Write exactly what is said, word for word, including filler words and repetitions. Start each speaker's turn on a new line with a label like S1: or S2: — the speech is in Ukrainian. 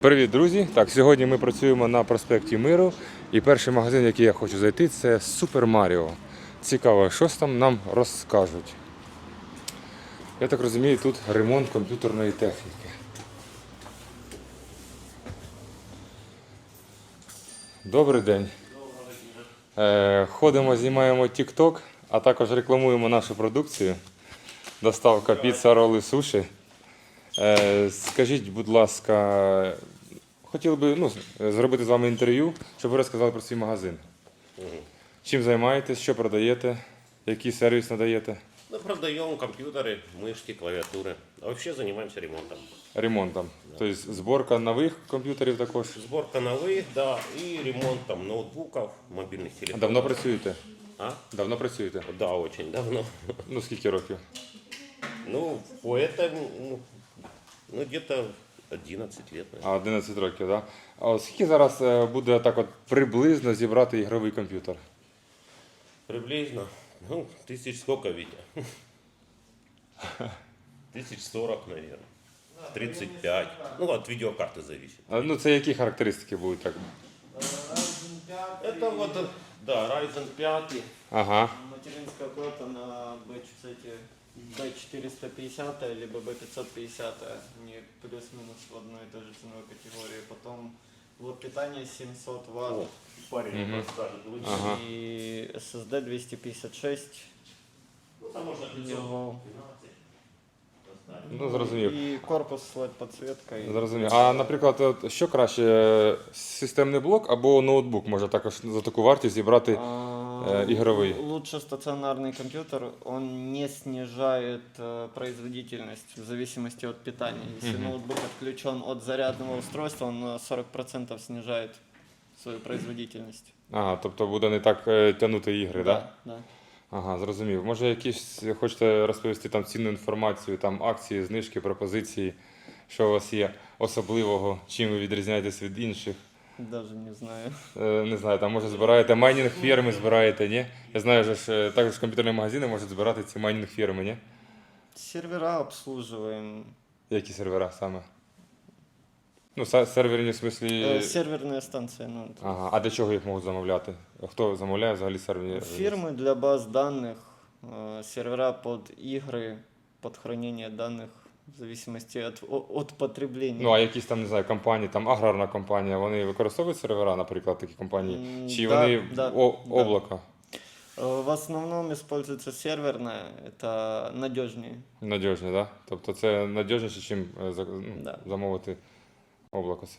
S1: Привіт, друзі! Так, сьогодні ми працюємо на проспекті Миру. І перший магазин, в який я хочу зайти, це Супер Маріо. Цікаво, що ж там нам розкажуть. Я так розумію, тут ремонт комп'ютерної техніки. Добрий день. Е, ходимо, знімаємо TikTok, а також рекламуємо нашу продукцію. Доставка піца, роли, суші. Е, скажіть, будь ласка, хотів би ну, зробити з вами інтерв'ю, щоб ви розказали про свій магазин.
S2: Угу.
S1: Чим займаєтесь, що продаєте, який сервіс надаєте?
S2: Мы продаем компьютеры, мышки, клавиатуры. А вообще занимаемся ремонтом.
S1: Ремонтом. Тобто зборка нових комп'ютерів також.
S2: Сборка новых, да, и ремонт там ноутбуков, мобильных телефонов.
S1: Давно працюєте?
S2: А?
S1: Давно працюєте?
S2: Да, очень давно.
S1: Ну, скільки років?
S2: Ну, по этому, ну, ну где-то одиннадцать лет, наверное.
S1: А, одинадцять років, так? Да? А от скільки зараз е, буде так от приблизно зібрати ігровий комп'ютер?
S2: Приблизно, ну, тысяч сколько, Витя? Тысяч сорок, наверное. тридцать пять. Ну, от видеокарты зависит.
S1: А, ну, це які характеристики будуть так?
S2: Это вот, да, Ryzen пять.
S1: Ага.
S3: Материнская плата на бэ четыреста пятьдесят либо бэ пятьсот пятьдесят, они плюс-минус в одной и той же ценовой категории. Потом блок питания семьсот ватт.
S2: О, парень
S1: Мгм.
S2: расскажет лучше.
S1: Ага.
S3: И эс эс ди двести пятьдесят шесть.
S2: Ну, там можно пятьсот
S3: Его.
S2: двенадцать поставить.
S1: Ну, зрозумів.
S3: И корпус с лед-подсветкой.
S1: Зрозумів. А, наприклад, от що краще, системний блок або ноутбук може також за таку вартість зібрати?
S3: А,
S1: э, игровые.
S3: Лучше стационарный компьютер, он не снижает э, производительность в зависимости от питания. Если
S1: Мгм.
S3: ноутбук отключен от зарядного устройства, он на сорок процентов снижает свою производительность.
S1: Ага, тобто буде не так е, тягнути ігри, так? Да?
S3: Да.
S1: Ага, зрозумів. Може якісь хочете розповісти там цінну інформацію, там акції, знижки, пропозиції, що у вас є особливого, чим ви відрізняєтесь від інших?
S3: Даже не знаю.
S1: Е, Не знаю, там може збираєте майнінг фірми, збираєте, ні? Я знаю, що ж е, також комп'ютерні магазини можуть збирати ці майнінг фірми, ні?
S3: Сервера обслуживаем.
S1: Які сервера саме? Ну, са- серверні в смислі.
S3: Э, серверная станция. Ну, то
S1: Ага, а для чого їх можуть замовляти? Хто замовляє взагалі серверні?
S3: Фирмы для баз данных, э, сервера под игры, под хранение данных в зависимости от, о- от потребления.
S1: Ну, а якісь там, не знаю, компанії, там аграрна компанія, вони використовують сервера, наприклад, такі компанії?
S3: М,
S1: Чи
S3: да,
S1: вони
S3: да,
S1: о-
S3: да.
S1: облако
S3: Э, В основном используется серверная, это надежнее.
S1: надіжні, так? Да? Тобто це надіжніше, ніж
S3: Да.
S1: замовити облако